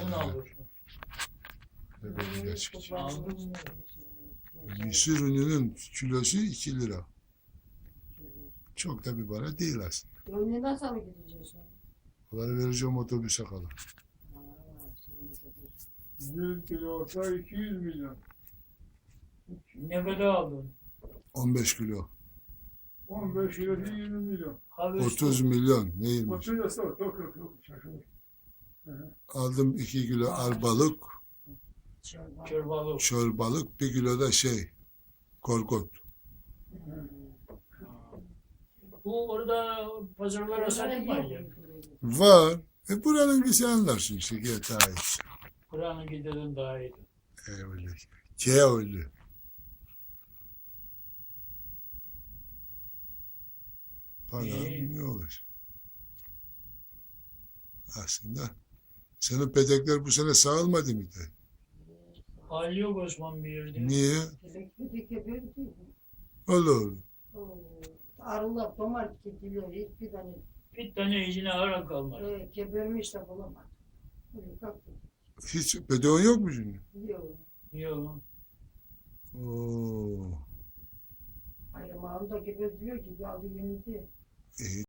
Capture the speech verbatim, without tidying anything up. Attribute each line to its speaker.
Speaker 1: Sen ne alıyorsun?
Speaker 2: Böyle geçmiş.
Speaker 1: Aldın.
Speaker 2: Mısır ununun kilosu iki lira. Çok da bir para değil aslında.
Speaker 3: Önüne nasıl mı gideceksin?
Speaker 2: Onları vereceğim otobüse kadar.
Speaker 4: yüz kilo olsa iki yüz milyon.
Speaker 1: Ne kadar aldın?
Speaker 2: on beş kilo.
Speaker 4: on beş kilosu yirmi milyon.
Speaker 1: Havyar
Speaker 2: otuz milyon. Ne yirmi?
Speaker 4: otuz yasa yok yok yok yok. Şaşırır.
Speaker 2: Aldım iki kilo arbalık,
Speaker 1: çorbalı.
Speaker 2: çorbalık, bir kilo da şey, korkut.
Speaker 1: Bu orada pazarlara satın var ya.
Speaker 2: Var. E buranın bir sen anlarsın işte. Gel daha iyi.
Speaker 1: Kur'an'ı gidelim daha iyi.
Speaker 2: E öyle. Ke öyle. Para
Speaker 1: İyi.
Speaker 2: ne olur? Aslında senin petekler bu sene sağılmadı mı de?
Speaker 1: Hali yok Osman bir yerde.
Speaker 2: Niye?
Speaker 3: Elektrik böyle değil.
Speaker 2: Olur.
Speaker 3: Arılar, domar gidiyor. Hiçbir tane
Speaker 1: Bir tane içine ara kalmadı.
Speaker 3: e, gebermiş de bulamadı. Böyle kalktı.
Speaker 2: Hiç peteğin yok mu şimdi?
Speaker 3: Yok.
Speaker 1: Yok.
Speaker 2: Oo.
Speaker 3: Ayrımağını da geber diyor ki geldi yenisi.
Speaker 2: E,